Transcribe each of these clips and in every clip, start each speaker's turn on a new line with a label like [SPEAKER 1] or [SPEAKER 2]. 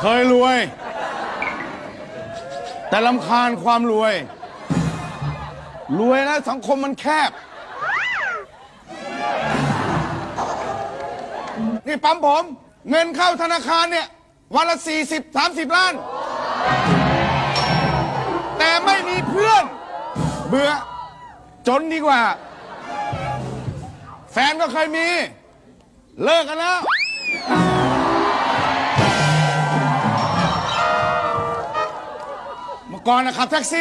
[SPEAKER 1] ยรวย แต่รำคาญความรวย รวยนะสังคมมันแคบ นี่ปั๊มผมเงินเข้าธนาคารเนี่ยวันละ40-30 ล้าน แต่ไม่มีเพื่อน เบื่อจนดีกว่า แฟนก็เคยมี เลิกกันแล้ว เมื่อก่อนนะขับแท็กซี่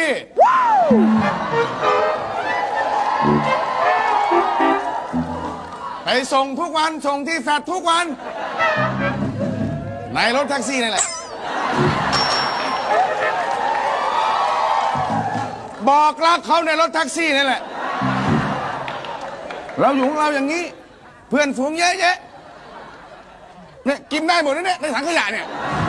[SPEAKER 1] ไปส่งทุกวันส่งที่แฟลตทุกวัน ในรถแท็กซี่นี่แหละ บอกรักเขาในรถแท็กซี่นี่แหละ เราอยู่ของเราอย่างนี้ เพื่อนฝูงเยอะแยะเนี่ยกินได้หมดนะเนี่ยในถังขยะเนี่ย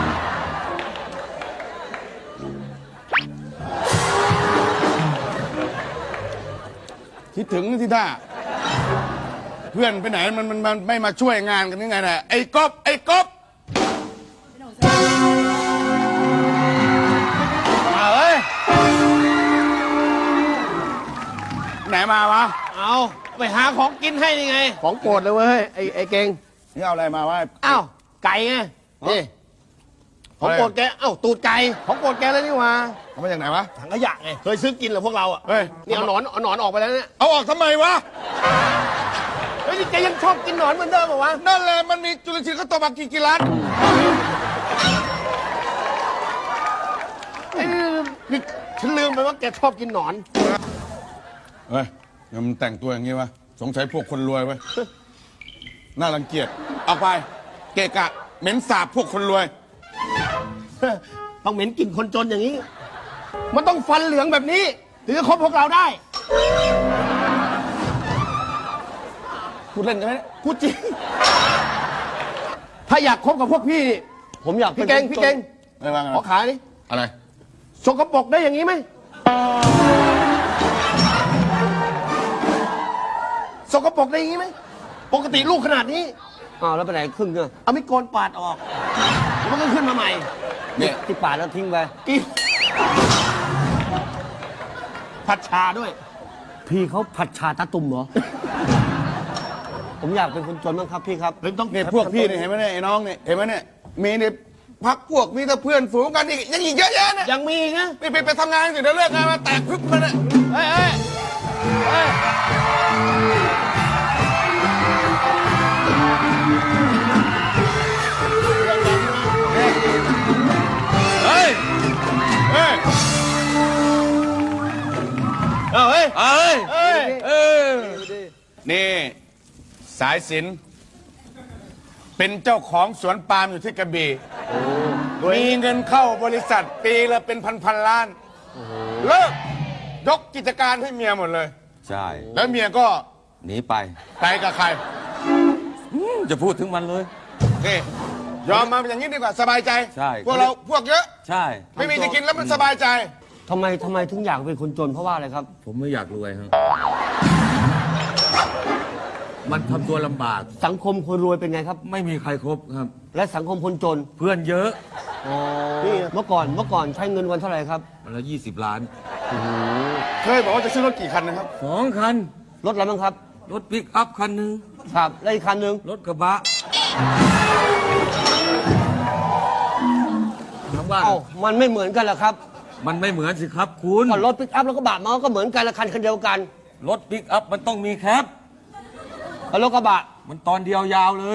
[SPEAKER 1] คิดถึงที่ท่าเพื่อนไปไหนมันไม่มาช่วยงานกันยังไงนะไอ้กบมาเอ้ยไหนมาวะ
[SPEAKER 2] เอาไปหาของกินให้นี่ไงของโปรดเลยเว้ยไอ้เก่ง
[SPEAKER 1] นี่เอาอะไรมาวะ
[SPEAKER 2] อ้าวไก่ไงนี่ของโปรดแกอ้าวตูดไก่ของโปรดแกเลยนี่หว่า
[SPEAKER 1] เอามาจากไหนวะ
[SPEAKER 2] ถังขยะไงเคยซื้อกินเหรอพวกเราอ่ะ
[SPEAKER 1] เฮ้ย
[SPEAKER 2] นี่เอาหนอนออกไปแล้วเนี่ย
[SPEAKER 1] เอาออกทำไมวะ
[SPEAKER 2] เฮ้ยนี่แกยังชอบกินหนอนเหมือนเดิมเหรอวะ
[SPEAKER 1] นั่นแหละมันมีจุลชีพเขาตัวมากี่ล้าน
[SPEAKER 2] นี่ฉันลืมไปว่าแกชอบกินหนอน
[SPEAKER 1] เฮ้ยยังมันแต่งตัวอย่างงี้วะสงสัยพวกคนรวยเว้ยน่ารังเกียจออกไปเกะกะเหม็นสาบพวกคนรวย
[SPEAKER 2] ต้องเหม็นกลิ่นคนจนอย่างนี้ มันต้องฟันเหลืองแบบนี้ถึงจะคบพวกเราได้
[SPEAKER 1] พูดเล่นกันไหม
[SPEAKER 2] พูดจริง ถ้าอยากคบกับพวกพี่ ผมอยากพี่เก่ง
[SPEAKER 1] ไม่ว่าไง
[SPEAKER 2] ขอขายดิ
[SPEAKER 1] อะไร
[SPEAKER 2] สกปรกได้อย่างนี้ไหมสกปรกได้อย่างนี้ไหมปกติลูกขนาดนี้อ้าวแล้วไปไหนครึ่งเนี่ยเอาไม่โกนปาดออกแล้วมันก็ขึ้นมาใหม่
[SPEAKER 1] เนี่ย
[SPEAKER 3] ที่ปาดแล้วทิ้งไป
[SPEAKER 2] กินผัดชาด้วย
[SPEAKER 3] พี่เขาผัดชาตาตุ่มเหรอ ผมอยากเป็นคนจนบ้างครับพี่ครับ
[SPEAKER 1] เนี่ยพวกพี่เนี่ยเห็นไหมเนี่ยไอ้น้องเนี่ยเห็นไหมเนี่ยมีเนี่ยพักพวกมีแต่เพื่อนฝูงกันอีกเยอะแยะเนี่ย
[SPEAKER 2] ยังมีอีกนะ
[SPEAKER 1] ไปทำงานสิเดี๋ยวเลิกงานมาแตกพึบมาเนี่ย
[SPEAKER 2] เฮ้ยเฮ้ยเฮ้ย
[SPEAKER 1] เฮ้ยเฮ้ย
[SPEAKER 2] เอาเฮ้ย
[SPEAKER 1] เอ้ย
[SPEAKER 2] เฮ้ย
[SPEAKER 1] เออนี่สายสิญจน์เป็นเจ้าของสวนปาล์มอยู่ที่กระบี่มีเงินเข้าบริษัทปีละเป็นพันล้านเลิกยกกิจการให้เมียหมดเลย
[SPEAKER 4] ใช่
[SPEAKER 1] แล้วเมียก็
[SPEAKER 4] หนีไป
[SPEAKER 1] ไปกับใคร
[SPEAKER 4] จะพูดถึงมันเลย
[SPEAKER 1] นี่ยอมมาเป็นอย่างนี้ดีกว่าสบายใจ
[SPEAKER 4] ใช่
[SPEAKER 1] พวกเราพวกเยอะ
[SPEAKER 4] ใช่
[SPEAKER 1] ไม่มีจะกินแล้วมันสบายใจ
[SPEAKER 3] ทำไมถึงอยากเป็นคนจนเพราะว่าอะไรครับ
[SPEAKER 4] ผมไม่อยากรวยครับมันทำตัวลำบาก
[SPEAKER 3] สังคมคนรวยเป็นไงครับ
[SPEAKER 4] ไม่มีใครครบครับ
[SPEAKER 3] และสังคมคนจน
[SPEAKER 4] เพื่อนเยอะ
[SPEAKER 3] นี่เมื่อก่อนใช้เงินวันเท่าไหร่ครับ
[SPEAKER 4] วันละ20 ล้าน
[SPEAKER 1] เคยบอกว่าจะซื้อรถกี่คันนะครับ
[SPEAKER 4] 2 คัน
[SPEAKER 3] รถอะไรบ้างครับ
[SPEAKER 4] รถปิกอัพคันหนึ่ง
[SPEAKER 3] ครับและอีกคันหนึ่ง
[SPEAKER 4] รถกระบะทั้งบ้าน
[SPEAKER 3] เอ้ามันไม่เหมือนกันเหรอครับ
[SPEAKER 4] มันไม่เหมือนสิครับคุณ
[SPEAKER 3] ก็รถปิกอัพแล้วก็บะมันก็เหมือนกันละคันเดียวกัน
[SPEAKER 4] รถปิกอัพมันต้องมีแคป
[SPEAKER 3] แล้วรถกระบะ
[SPEAKER 4] มันตอนเดียวยาวเลย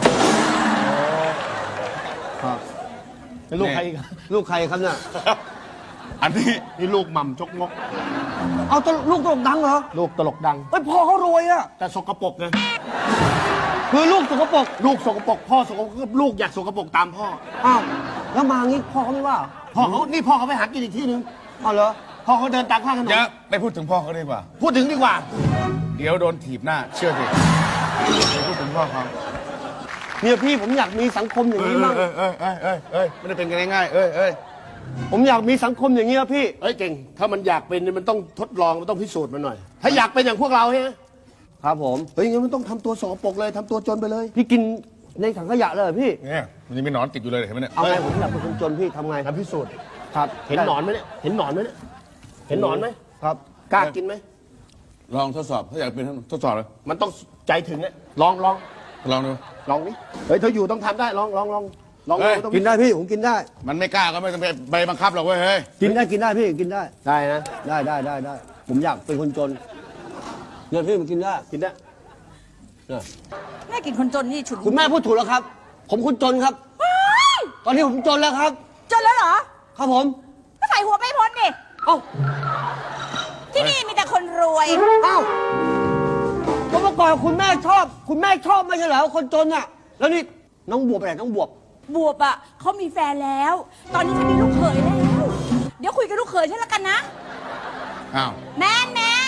[SPEAKER 2] ลูกใครอีก
[SPEAKER 3] ลูกใครครับเนี่ย
[SPEAKER 1] อันนี้
[SPEAKER 2] นี่ลูกหม่ำจกงก
[SPEAKER 3] เอาลูกตลกดังเหรอ
[SPEAKER 2] ลูกตลกดัง
[SPEAKER 3] เฮ้ยพ่อเขารวยอะ
[SPEAKER 2] แต่สกปรกไง
[SPEAKER 3] คือลูกสกปรก
[SPEAKER 2] ลูกสกปรกพ่อสกปรกลูกอยากสกปรกตามพ่อ
[SPEAKER 3] อ้าวแล้วมางี้พ่อเขาไม่ว่า
[SPEAKER 2] พ่อเขาไปหากินอีกที่นึง
[SPEAKER 3] อ้าวเหรอ
[SPEAKER 2] พ่อเขาเดินตามข้างถนน
[SPEAKER 1] เยอะไปพูดถึงพ่อเขาดีกว่า
[SPEAKER 2] พูดถึงดีกว่า
[SPEAKER 1] เดี๋ยวโดนถีบหน้า เชื่อสิไปพูดถึงพ่อเขา
[SPEAKER 3] เนี่ยพี่ผมอยากมีสังคมอย่างนี้มั่ง
[SPEAKER 1] เอ้ยไม่ได้เป็นกันง่ายๆเอ้ย
[SPEAKER 3] ผมอยากมีสังคมอย่างนี้ครับพี่
[SPEAKER 2] เฮ้ยเก่ง ถ้ามันอยากเป็นเนี่ยมันต้องทดลองมันต้องพิสูจน์มันหน่อย ถ้าอยากเป็นอย่างพวกเราใช่ไหม
[SPEAKER 3] ครับผม
[SPEAKER 2] เฮ้ยงั้นมันต้องทำตัวสกปรกเลยทำตัวจนไปเลย
[SPEAKER 3] พี่กินในถังขยะเลยเหรอพี่
[SPEAKER 1] เนี่ยมันยังมีหนอนติดอยู่เลยเห็นไหมเนี่ย
[SPEAKER 3] เอาไงผมอยากเป็นคนจนพี่ทำไง
[SPEAKER 2] ทำพิสูจน์
[SPEAKER 3] ครับ
[SPEAKER 2] เห็นหนอนไหมเนี่ย เห็นหนอนไหมเนี่ย เห็นหนอนไหม
[SPEAKER 3] ครับ
[SPEAKER 2] กล้ากินไหม
[SPEAKER 1] ลองทดสอบถ้าอยากเป็นทดสอบเลย
[SPEAKER 2] มันต้องใจถึงอะลองลอง
[SPEAKER 1] ลองดู
[SPEAKER 2] ลองนี่เฮ้ยเธออยู่ต้องทำได้ ลองลองลองลอง
[SPEAKER 1] เฮ้ย
[SPEAKER 2] ต้อง
[SPEAKER 3] กินได้พี่ผมกินได้
[SPEAKER 1] มันไม่กล้าก็ไม่ต้องไปบังคับหรอกเว้ยเฮ้ย
[SPEAKER 3] กินได้กินได้พี่กินได้
[SPEAKER 2] ได้นะ
[SPEAKER 3] ได้ผมอยากเป็นคนจนเนี่ยพี่มันกินได้
[SPEAKER 2] กินได้
[SPEAKER 3] เนี่ย
[SPEAKER 5] แม่กินคนจนนี่ฉุน
[SPEAKER 3] คุณแม่พูดถูกแล้วครับ ผมคนจนครับ ตอนนี้ผมจนแล้วครับ
[SPEAKER 5] จนแล้วเหรอ
[SPEAKER 3] ครับผม
[SPEAKER 5] ก็ใส่หัวไปพ้นดิ
[SPEAKER 3] เอ้า
[SPEAKER 5] ที่นี่มีแต่คนรวย
[SPEAKER 3] เอ้าก็เมื่อก่อนคุณแม่ชอบ คุณแม่ชอบไม่ใช่เหรอคนจนอ่ะ แล้วนี่น้องบวบไปไหนน้องบวบ
[SPEAKER 5] บวบอ่ะเขามีแฟนแล้ว ตอนนี้เขามีลูกเขยแล้ว เดี๋ยวคุยกับลูกเขยฉันแล้วกันนะ
[SPEAKER 1] อ้าว
[SPEAKER 5] แมนแมน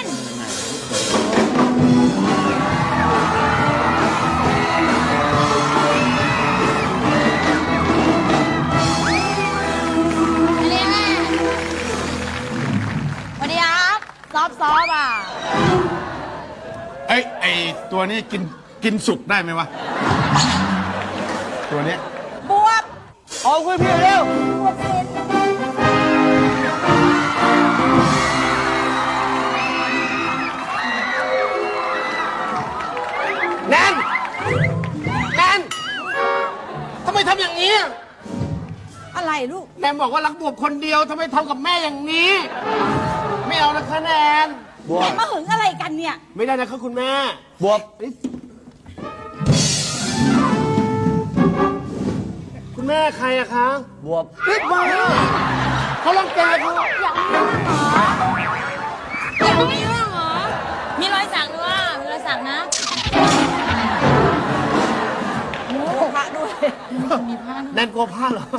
[SPEAKER 5] สวัสดีครับซอฟอ่ะ
[SPEAKER 1] ไอตัวนี้กินสุกได้ไหมวะ ตัวเนี้ย
[SPEAKER 5] บวบ
[SPEAKER 3] เอาคุยพี่เร็ว
[SPEAKER 5] บวบเป็น
[SPEAKER 2] แนนแนนทำไมทำอย่างนี้
[SPEAKER 5] อะไรลูก
[SPEAKER 2] แนนบอกว่ารักบวบคนเดียวทำไมทำกับแม่อย่างนี้ ไม่เอานะคะแนน
[SPEAKER 3] บวบ
[SPEAKER 5] มาหึงอะไรกันเนี่ย
[SPEAKER 2] ไม่ได้นะคะคุณแม่
[SPEAKER 3] บวบ
[SPEAKER 2] คุณแม่ใครอะคะ
[SPEAKER 3] บวบ
[SPEAKER 2] รีบมาเขาลังแกเขา
[SPEAKER 5] ยังไม่เรื่องเหรอ มีรอยสักด้วย มีรอยสักนะโอ้พระด้วย มีพระด้วย
[SPEAKER 2] แนนกลัวผ้าเหรอ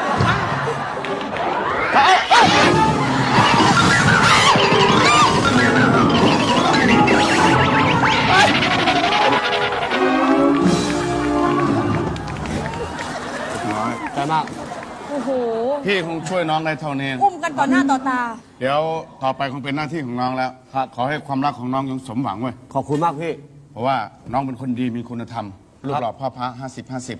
[SPEAKER 1] น้อย
[SPEAKER 3] ใจมาก
[SPEAKER 5] โอ้โห
[SPEAKER 1] พี่คงช่วยน้องได้เท่านี้
[SPEAKER 5] อุ้มกันต่อหน้าต่อตา
[SPEAKER 1] เดี๋ยวต่อไปคงเป็นหน้าที่ของน้องแล้ว
[SPEAKER 3] ครับ
[SPEAKER 1] ขอให้ความรักของน้องยังสมหวังเว้ย
[SPEAKER 3] ขอบคุณมากพี่
[SPEAKER 1] เพราะว่าน้องเป็นคนดีมีคุณธรรมรูปหล่อพ่อพระ50-50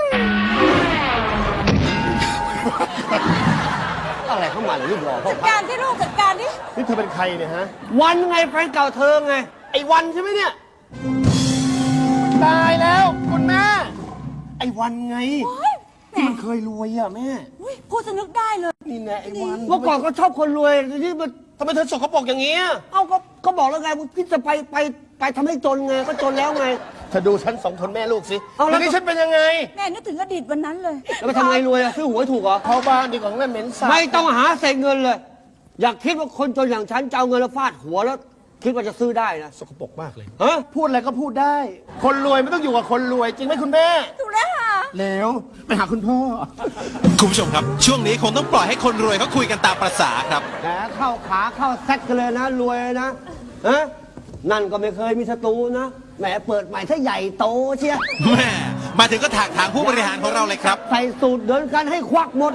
[SPEAKER 3] อะไรเข้ามาเลยรูปหล่อพ่อ
[SPEAKER 5] จัดการที่ลูกจัดการที่
[SPEAKER 2] นี่เธอเป็นใครเนี่ยฮะ
[SPEAKER 3] วันไงแฟนเก่าเธอไง
[SPEAKER 2] ไอ้วันใช่ไหมเนี่ย ตายแล้วคุณแม่ ไอ้วันไง ที่มันเคยรวยอะแม่
[SPEAKER 5] อุ๊ยพูดจะนึกได้เลย
[SPEAKER 2] นี่แน่ไอ้วัน
[SPEAKER 3] เมื่อก่อนก็ชอบคนรวยทีนี้มัน
[SPEAKER 2] ทำไมเธอสกปรกอย่างนี้อะ
[SPEAKER 3] เอ้าก็บอกแล้วไงว่าพี่จะไปทำให้จนไงก็จนแล้วไง
[SPEAKER 2] เธอดูฉันสองคนแม่ลูกสิ
[SPEAKER 3] เอาแล้ว
[SPEAKER 2] ทีนี้ฉันเป็นยังไง
[SPEAKER 5] แม่นึกถึงอดีตวันนั้นเลย
[SPEAKER 3] แล้วไปทำไงรวยอะซื้อหวยถูกเหรอ
[SPEAKER 2] เข้าบ้านดีกว่าแม่เหม็นสาบ
[SPEAKER 3] ไม่ต้องหาเศษเงินเลย อยากคิดว่าคนจนอย่างฉันจะเอาเงินแล้วฟาดหัวแล้ว คิดว่าจะซื้อได้นะ
[SPEAKER 2] สกปรกมากเลย
[SPEAKER 3] ฮะ
[SPEAKER 2] พูดอะไรก็พูดได้ คนรวยไม่ต้องอยู่กับคนรวย จริงไหมคุณแม่
[SPEAKER 5] ถูกแล้วค่ะ
[SPEAKER 2] เลวไปหาคุณพ่อ
[SPEAKER 6] คุณผู้ชมครับ ช่วงนี้คงต้องปล่อยให้คนรวยเขาคุยกันตามประษาครับ
[SPEAKER 3] แหมเข้าขาเข้าแซกกันเลยนะรวยนะฮะนั่นก็ไม่เคยมีศัตรูนะแหมเปิดใหม่ถ้าใหญ่โตเชีย
[SPEAKER 6] แม่มาถึงก็ถากถางผู้บริหารของเราเลยครับ
[SPEAKER 3] ใส่สูตรเดินกันให้ควักหมด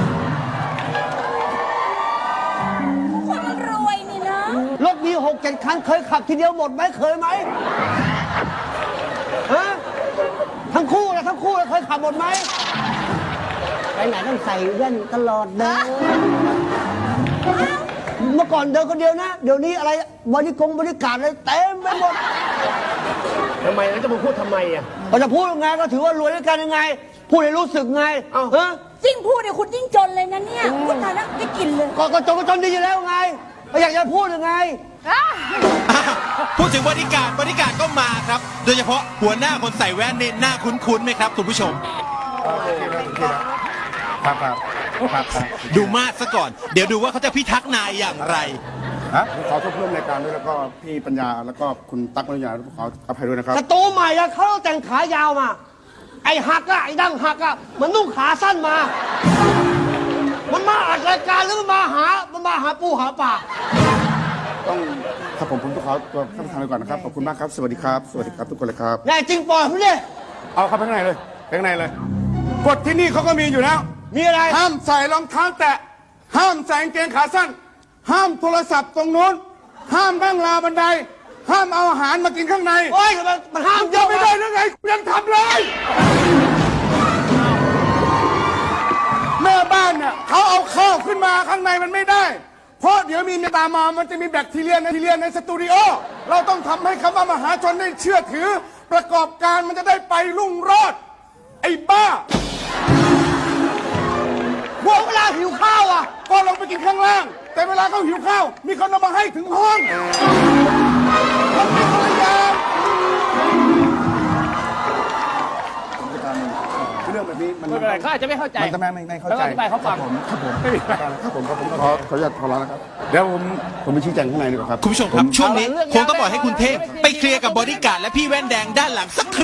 [SPEAKER 5] คนมันรวยนี่นะ
[SPEAKER 3] รถมี6-7 คันเคยขับทีเดียวหมดไหมเคยไหมฮะทั้งคู่นะเคยขับหมดไหมไปไหนต้องใส่แว่นตลอดเดินเมื่อก่อนเดินคนเดียวนะ เดี๋ยวนี้อะไรบริการอะไรเต็มไปหมด
[SPEAKER 2] ทำไมแล้วจะมาพูดทำไมอ่ะ
[SPEAKER 3] เราจะพูดยังไงก็ถือว่ารวยด้วยกันยังไง พูดให้รู้สึกไง
[SPEAKER 2] เอ้า
[SPEAKER 3] ฮะ
[SPEAKER 5] ยิ่งพูดเนี่ยคุณยิ่งจนเลยนะเนี่ยพูดตายแล้วได้กินเลย
[SPEAKER 3] ก็จนดีอยู่แล้วไงก็อยากจะพูดยังไง
[SPEAKER 6] พูดถึงบริการก็มาครับ โดยเฉพาะหัวหน้าคนใส่แว่นนี่หน้าคุ้นๆไหมครับคุณผู้ชม
[SPEAKER 1] ครับ
[SPEAKER 6] ดูมาดซะก่อน เดี๋ยวดูว่าเขาจะพิทักษ์นายอย่างไร
[SPEAKER 1] ฮะขอโทษเพื่อนรายการด้วยแล้วก็พี่ปัญญาแล้วก็คุณตั๊กมรยาขออภัยด้วยนะครับ
[SPEAKER 3] ศัตรูใหม่อะเขาแต่งขายาวมา ไอ้หักอะไอ้ดั้งหักอะมันนุ่งขาสั้นมา มันมาอัดรายการหรือมันมาหาปูหาปลา
[SPEAKER 1] ต้องครับผมต้องขอตัวท่านประธานไปก่อนนะครับขอบคุณมากครับสวัสดีครับสวัสดีครับทุกคนเลยครับ
[SPEAKER 3] แน่จริงปล่อยผมดิ
[SPEAKER 1] เอาเข้าไปข้างในเลยไปข้างในเลยกฎที่นี่เขาก็มีอยู่แล้ว
[SPEAKER 3] มีอะไร
[SPEAKER 1] ห้ามใส่รองเท้าแตะห้ามใส่กางเกงขาสั้น ห้ามโทรศัพท์ตรงนู้นห้ามนั่งราวบันได ห้ามเอาอาหารมากินข้างใน
[SPEAKER 3] โอ้ยมันห้าม
[SPEAKER 1] ยังไม่ได้หรือไงยังทำเลยางในมันไม่ได้ เพราะเดี๋ยวมีเมตามามันจะมีแบคทีเรียในสตูดิโอเราต้องทำให้คำว่ามหาชนได้เชื่อถือ ประกอบการมันจะได้ไปรุ่งโรจน์ไอ้บ้า
[SPEAKER 3] พวกเวลาหิวข้าวอ่ะ
[SPEAKER 1] ก็ลงไปกินข้างล่าง แต่เวลาเขาหิวข้าว มีคนเอามาให้ถึงห้องมันเป็นคนละอย่างเรื่องแบบนี้มัน
[SPEAKER 7] ไม่เป็นไรเขาอาจจะไม่เข้าใจ
[SPEAKER 1] มันจะไม่เข้า
[SPEAKER 7] แล้ว
[SPEAKER 1] ใจ
[SPEAKER 7] อธิบายเขาฟัง
[SPEAKER 1] ครับผมขออนุญาตขอร้องนะครับ เดี๋ยวผมไปชี้แจงข้างในดีกว่าครับ
[SPEAKER 6] คุณผู้ชมครับ ช่วงนี้คงต้องปล่อยให้คุณเทพไปเคลียร์กับบอดี้การ์ดและพี่แว่นแดงด้านหลังสัก